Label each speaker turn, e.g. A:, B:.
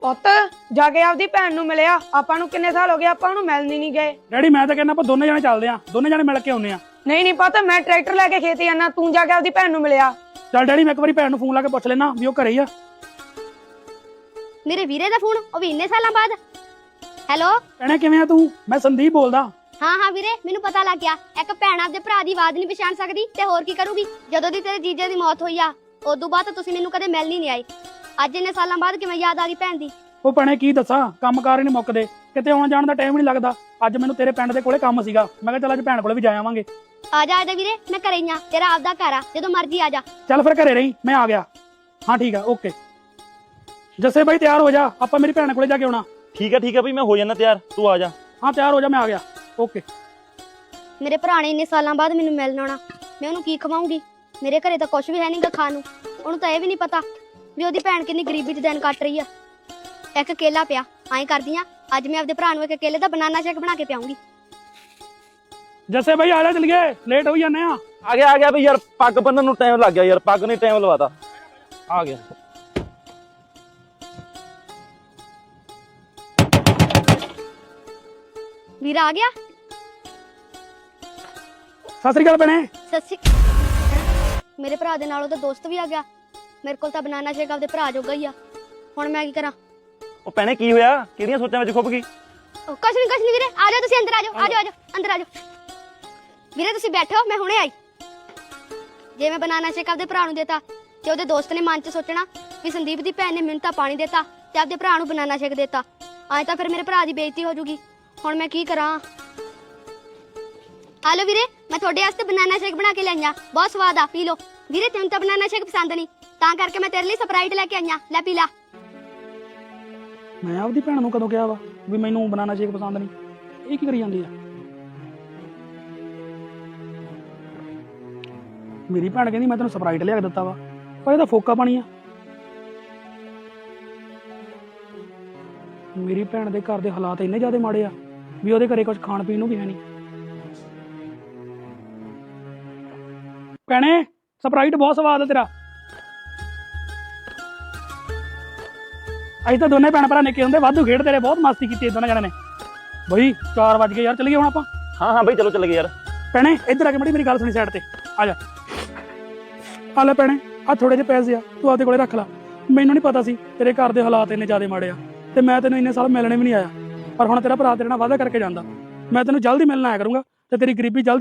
A: ਪੁੱਤ ਜਾ ਕੇ ਆਪਦੀ ਭੈਣ ਨੂੰ ਮਿਲਿਆ। ਆਪਾਂ ਨੂੰ ਕਿੰਨੇ ਸਾਲ ਹੋ ਗਏ, ਆਪਾਂ ਉਹਨੂੰ ਮਿਲਣ ਨਹੀਂ ਗਏ।
B: ਡੈਡੀ ਮੈਂ ਤਾਂ ਕਹਿੰਦਾ ਆਪਾਂ ਦੋਨੇ ਜਣੇ ਚੱਲਦੇ ਆਂ, ਦੋਨੇ ਜਣੇ ਮਿਲ ਕੇ ਆਉਂਦੇ ਆਂ।
A: ਨਹੀਂ ਪੁੱਤ, ਮੈਂ ਟਰੈਕਟਰ ਲੈ ਕੇ ਖੇਤ ਜਾਣਾ, ਤੂੰ ਜਾ ਕੇ ਆਪਦੀ ਭੈਣ ਨੂੰ ਮਿਲਿਆ।
B: ਚੱਲ ਡੈਡੀ ਮੈਂ ਇੱਕ ਵਾਰੀ ਭੈਣ ਨੂੰ ਫੋਨ ਲਾ ਕੇ ਪੁੱਛ ਲੈਣਾ ਵੀ ਉਹ ਘਰੇ ਹੀ ਆ।
C: ਮੇਰੇ ਵੀਰੇ ਦਾ ਫੋਨ, ਉਹ ਵੀ ਇੰਨੇ ਸਾਲਾਂ ਬਾਅਦ। ਹੈਲੋ
B: ਭੈਣੇ ਕਿਵੇਂ ਆ ਤੂੰ? ਮੈਂ ਸੰਦੀਪ ਬੋਲਦਾ।
C: ਹਾਂ ਵੀਰੇ, ਮੈਨੂੰ ਪਤਾ ਲੱਗ ਗਿਆ। ਇੱਕ ਭੈਣ ਆਪਦੇ ਭਰਾ ਦੀ ਆਵਾਜ਼ ਨਹੀਂ ਪਛਾਣ ਸਕਦੀ ਤੇ ਹੋਰ ਕੀ ਕਰੂਗੀ। ਜਦੋਂ ਦੀ ਤੇਰੇ ਜੀਜੇ ਦੀ ਮੌਤ ਹੋਈ ਆ, ਉਦੋਂ ਬਾਅਦ ਤਾਂ ਤੁਸੀਂ ਮੈਨੂੰ ਕਦੇ ਮਿਲਣ ਨਹੀਂ ਆਏ। ਅੱਜ ਇੰਨੇ ਸਾਲਾਂ ਬਾਅਦ ਕਿਵੇਂ ਯਾਦ ਆ ਗਈ ਭੈਣ ਦੀ?
B: ਉਹ ਭੈਣੇ ਕੀ ਦੱਸਾਂ, ਕੰਮਕਾਰ ਹੀ ਨਹੀਂ ਮੁੱਕਦੇ, ਕਿਤੇ ਆਉਣ ਜਾਣ ਦਾ ਟਾਈਮ ਨਹੀਂ ਲੱਗਦਾ। ਅੱਜ ਮੈਨੂੰ ਤੇਰੇ ਪਿੰਡ ਦੇ ਕੋਲੇ ਕੰਮ ਸੀਗਾ, ਮੈਂ ਕਿਹਾ ਚੱਲ ਅੱਜ ਭੈਣ ਕੋਲੇ ਵੀ ਜਾ ਆਵਾਂਗੇ।
C: ਆ ਜਾ ਵੀਰੇ, ਮੈਂ ਘਰੇ ਹੀ ਆ, ਤੇਰਾ ਆਪਦਾ ਘਰ ਆ, ਜਦੋਂ ਮਰਜ਼ੀ ਆ ਜਾ।
B: ਚੱਲ ਫਿਰ ਘਰੇ ਰਹੀ, ਮੈਂ ਆ ਗਿਆ। ਹਾਂ ਠੀਕ ਆ, ਓਕੇ। ਜੱਸੇ ਬਾਈ ਤਿਆਰ ਹੋ ਜਾ, ਆਪਾਂ ਮੇਰੀ ਭੈਣ ਕੋਲੇ ਜਾ ਕੇ ਆਉਣਾ।
D: ਠੀਕ ਹੈ ਬਈ, ਮੈਂ ਹੋ ਜਾਣਾ ਤਿਆਰ, ਤੂੰ ਆ ਜਾ।
B: ਹਾਂ ਤਿਆਰ ਹੋ ਜਾ, ਮੈਂ ਆ ਗਿਆ, ਓਕੇ।
C: ਮੇਰੇ ਭਰਾ ਨੇ ਇੰਨੇ ਸਾਲਾਂ ਬਾਅਦ ਮੈਨੂੰ ਮਿਲਣ ਆਉਣਾ, ਮੈਂ ਉਹਨੂੰ ਕੀ ਖਵਾਉਂਗੀ? ਮੇਰੇ ਘਰੇ ਤਾਂ ਕੁਝ ਵੀ ਹੈ ਨਹੀਂਗਾ ਖਾਣ ਨੂੰ। ਉਹਨੂੰ ਤਾਂ ਇਹ ਵੀ ਨਹੀਂ ਪਤਾ ਵੀ ਉਹਦੀ ਭੈਣ ਕਿੰਨੀ ਗਰੀਬੀ 'ਚ ਦਿਨ ਕੱਟ ਰਹੀ ਆ। ਇੱਕ ਕੇਲਾ ਪਿਆ, ਐਂ ਕਰਦੀ ਆ, ਅੱਜ ਮੈਂ ਆਪਦੇ ਭਰਾ ਨੂੰ ਇੱਕ ਕੇਲੇ ਦਾ ਬਨਾਨਾ ਸ਼ੇਕ ਬਣਾ ਕੇ ਪਿਆਉਂਗੀ।
B: ਜੱਸੇ ਬਾਈ ਆ ਜਾ, ਚਲੀਏ, ਲੇਟ ਹੋਈ ਜਾਂਦੇ ਆ।
D: ਆ ਗਿਆ ਬਈ, ਯਾਰ ਪੱਗ ਬੰਨਣ ਨੂੰ ਟਾਈਮ ਲੱਗ ਗਿਆ ਯਾਰ, ਪੱਗ ਨੇ ਟਾਈਮ ਲਵਾਤਾ। ਆ ਗਿਆ।
C: ਵੀਰਾ ਆ ਗਿਆ।
B: ਸਤਿ ਸ੍ਰੀ ਅਕਾਲ ਭੈਣੇ।
C: ਸੱਚੀ ਮੇਰੇ ਭਰਾ ਦੇ ਨਾਲ ਉਹਦਾ ਦੋਸਤ ਵੀ ਆ ਗਿਆ। ਮੇਰੇ ਕੋਲ ਤਾਂ ਬਨਾਨਾ ਸ਼ੇਕ ਆਪਦੇ ਭਰਾ ਜੋਗਾ ਹੀ ਆ। ਹੁਣ ਮੈਂ ਕੀ ਕਰਾਂ?
D: ਉਹ ਭੈਣੇ ਕੀ ਹੋਇਆ? ਕਿਹੜੀਆਂ ਸੋਚਾਂ ਵਿੱਚ ਖੁੱਭ ਗਈ?
C: ਕੁਛ ਨਹੀਂ ਵੀਰੇ, ਆ ਜਾਓ ਤੁਸੀਂ ਅੰਦਰ, ਆ ਜਾਓ ਅੰਦਰ ਆ ਜਾਓ। ਵੀਰੇ ਤੁਸੀਂ ਬੈਠੋ, ਮੈਂ ਹੁਣੇ ਆਈ। ਜੇ ਮੈਂ ਬਨਾਨਾ ਸ਼ੇਕ ਆਪਦੇ ਭਰਾ ਨੂੰ ਦੇਤਾ ਤੇ ਉਹਦੇ ਦੋਸਤ ਨੇ ਮਨ 'ਚ ਸੋਚਣਾ ਵੀ ਸੰਦੀਪ ਦੀ ਭੈਣ ਨੇ ਮੈਨੂੰ ਤਾਂ ਪਾਣੀ ਦੇਤਾ ਤੇ ਆਪਦੇ ਭਰਾ ਨੂੰ ਬਨਾਨਾ ਸ਼ੇਕ ਦੇਤਾ। ਐਂ ਤਾਂ ਫਿਰ ਮੇਰੇ ਭਰਾ ਦੀ ਬੇਇੱਜ਼ਤੀ ਹੋ ਜੂਗੀ। ਹੁਣ ਮੈਂ ਕੀ ਕਰਾਂ? ਹਾਲੋ ਵੀਰੇ, ਮੈਂ ਤੁਹਾਡੇ ਵਾਸਤੇ ਬਨਾਨਾ ਸ਼ੇਕ ਬਣਾ ਕੇ ਲਿਆਈਆਂ, ਬਹੁਤ ਸਵਾਦ ਆ, ਪੀ ਲਓ। ਵੀਰੇ ਤੈਨੂੰ ਤਾਂ ਬਨਾਨਾ ਸ਼ੇਕ ਪਸੰਦ ਨਹੀਂ, ਤਾਂ ਕਰਕੇ ਮੈਂ ਤੇਰੇ ਲਈ ਸਪਰਾਈਟ ਲੈ ਕੇ ਆਈਆਂ, ਲੈ ਪੀ ਲਾ।
B: ਮੈਂ ਆਪਦੀ ਭੈਣ ਨੂੰ ਕਦੋਂ ਕਿਹਾ ਵਾ ਵੀ ਮੈਨੂੰ ਬਨਾਨਾ ਸ਼ੇਕ ਪਸੰਦ ਨਹੀਂ? ਇਹ ਕੀ ਕਰੀ ਜਾਂਦੀ ਆ? ਮੇਰੀ ਭੈਣ ਕਹਿੰਦੀ ਮੈਂ ਤੈਨੂੰ ਸਪਰਾਈਟ ਲਿਆ ਕੇ ਦਿੱਤਾ ਵਾ, ਪਰ ਇਹਦਾ ਫੋਕਾ ਪਾਣੀ ਆ। ਮੇਰੀ ਭੈਣ ਦੇ ਘਰ ਦੇ ਹਾਲਾਤ ਇੰਨੇ ਜ਼ਿਆਦਾ ਮਾੜੇ ਆ ਵੀ ਉਹਦੇ ਘਰੇ ਕੁਝ ਖਾਣ ਪੀਣ ਨੂੰ ਵੀ ਹੈ ਨਹੀਂ। ਭੈਣੇ ਸਪਰਾਈਟ ਬਹੁਤ ਸਵਾਦ ਆ ਤੇਰਾ। ਅਸੀਂ ਤਾਂ ਦੋਨੇ ਭੈਣ ਭਰਾ ਨਿੱਕੇ ਹੁੰਦੇ ਵਾਧੂ ਖੇਡਦੇ ਰਹੇ, ਬਹੁਤ ਮਸਤੀ ਕੀਤੀ ਦੋਨਾਂ ਜਣਿਆਂ ਨੇ। ਬਈ 4 ਵਜ ਗਏ ਯਾਰ, ਚੱਲੀਏ ਹੁਣ ਆਪਾਂ।
D: ਹਾਂ ਬਈ, ਚਲੋ ਚੱਲ ਗਏ ਯਾਰ।
B: ਭੈਣੇ ਇੱਧਰ ਆ ਕੇ ਮੇਰੀ ਗੱਲ ਸੁਣੀ, ਸਾਈਡ ਤੇ ਆ ਜਾ। ਆ ਲੈ ਭੈਣੇ, ਆ ਥੋੜੇ ਜਿਹੇ ਪੈਸੇ ਆ, ਤੂੰ ਆਪਦੇ ਕੋਲੇ ਰੱਖ ਲੈ। ਮੈਨੂੰ ਨਹੀਂ ਪਤਾ ਸੀ ਤੇਰੇ ਘਰ ਦੇ ਹਾਲਾਤ ਇੰਨੇ ਜ਼ਿਆਦਾ ਮਾੜੇ ਆ, ਤੇ ਮੈਂ ਤੈਨੂੰ ਇੰਨੇ ਸਾਲ ਮਿਲਣੇ ਵੀ ਨਹੀਂ ਆਇਆ, ਪਰ ਹੁਣ ਤੇਰਾ ਭਰਾ ਤੇਰੇ ਨਾਲ ਵਾਅਦਾ ਕਰਕੇ ਜਾਂਦਾ, ਮੈਂ ਤੈਨੂੰ ਜਲਦੀ ਮਿਲਣ ਆਇਆ ਕਰੂੰਗਾ ਤੇ ਤੇਰੀ ਗਰੀਬੀ ਜਲਦੀ